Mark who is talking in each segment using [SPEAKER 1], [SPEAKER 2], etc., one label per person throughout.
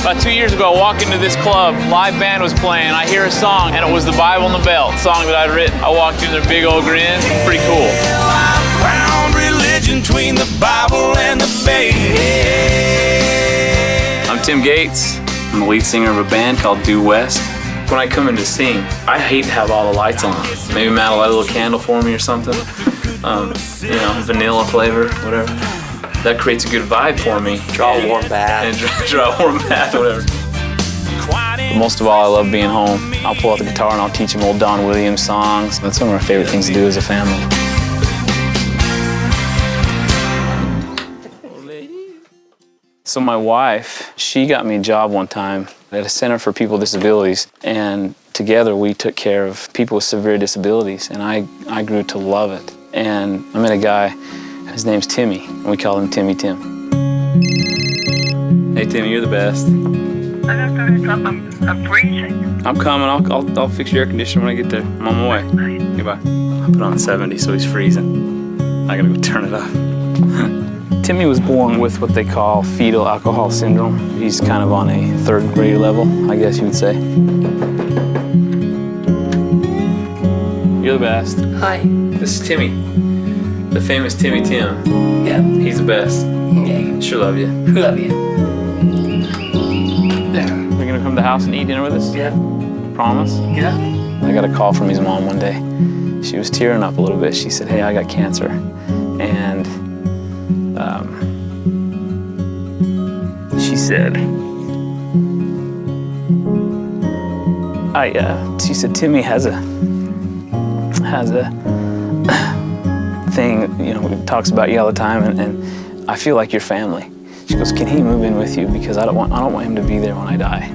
[SPEAKER 1] About 2 years ago, I walked into this club, live band was playing, I hear a song, and it was the Bible in the Belt, song that I'd written. I walked in, their big old grin, pretty cool.
[SPEAKER 2] Found religion between the Bible and the bay.
[SPEAKER 3] I'm Tim Gates. I'm the lead singer of a band called Due West. When I come in to sing, I hate to have all the lights on. Maybe Matt will light a little candle for me or something. You know, vanilla flavor, whatever. That creates a good vibe for me.
[SPEAKER 4] Draw a warm bath.
[SPEAKER 3] And draw a warm bath, whatever. But most of all, I love being home. I'll pull out the guitar and I'll teach them old Don Williams songs. That's one of my favorite things to do as a family. So my wife, she got me a job one time at a Center for People with Disabilities, and together we took care of people with severe disabilities, and I grew to love it. And I met a guy, his name's Timmy, and we call him Timmy Tim. Hey Timmy, you're the best.
[SPEAKER 5] I'm freezing.
[SPEAKER 3] I'm coming, I'll fix your air conditioner when I get there. I'm on my way. Goodbye. I put on 70, so he's freezing. I gotta go turn it up. Timmy was born with what they call fetal alcohol syndrome. He's kind of on a third grade level, I guess you would say. You're the best.
[SPEAKER 5] Hi.
[SPEAKER 3] This is Timmy, the famous Timmy Tim.
[SPEAKER 5] Yeah.
[SPEAKER 3] He's the best.
[SPEAKER 5] Okay.
[SPEAKER 3] Sure love you.
[SPEAKER 5] Love you. There.
[SPEAKER 3] You're gonna come to the house and eat dinner with us?
[SPEAKER 5] Yeah.
[SPEAKER 3] Promise?
[SPEAKER 5] Yeah.
[SPEAKER 3] I got a call from his mom one day. She was tearing up a little bit. She said, hey, I got cancer. And she said, she said, Timmy has a thing, you know, talks about you all the time, and I feel like your family. She goes, can he move in with you? Because I don't want him to be there when I die.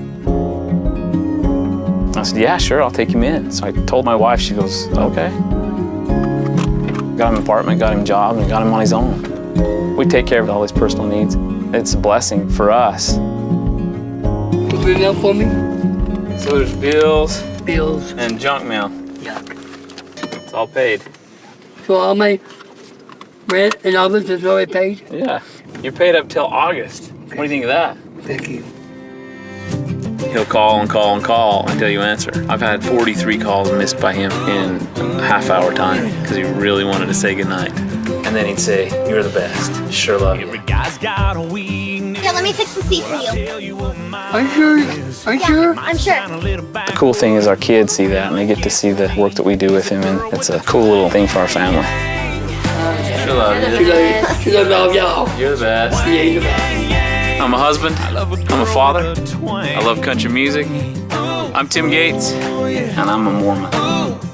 [SPEAKER 3] I said, yeah, sure, I'll take him in. So I told my wife, she goes, okay. Got him an apartment, got him a job, and got him on his own. We take care of all his personal needs. It's a blessing for us.
[SPEAKER 5] You bring that for me?
[SPEAKER 3] So there's bills
[SPEAKER 5] Bills.
[SPEAKER 3] and junk mail.
[SPEAKER 5] Yeah.
[SPEAKER 3] It's all paid.
[SPEAKER 5] So all my rent and all this is already paid?
[SPEAKER 3] Yeah, you're paid up till August. What do you think of that?
[SPEAKER 5] Thank you.
[SPEAKER 3] He'll call and call and call until you answer. I've had 43 calls missed by him in a half-hour time because he really wanted to say goodnight. And then he'd say, you're the best. Sure love you.
[SPEAKER 6] Here, let me fix the seat for you.
[SPEAKER 5] Are you sure? Are you sure?
[SPEAKER 6] I'm sure.
[SPEAKER 3] The cool thing is our kids see that and they get to see the work that we do with him, and it's a cool little thing for our family. Sure love you.
[SPEAKER 5] She love y'all.
[SPEAKER 3] You're the best.
[SPEAKER 5] Yeah, you're the best.
[SPEAKER 3] I'm a husband, I'm a father, I love country music. I'm Tim Gates, and I'm a Mormon.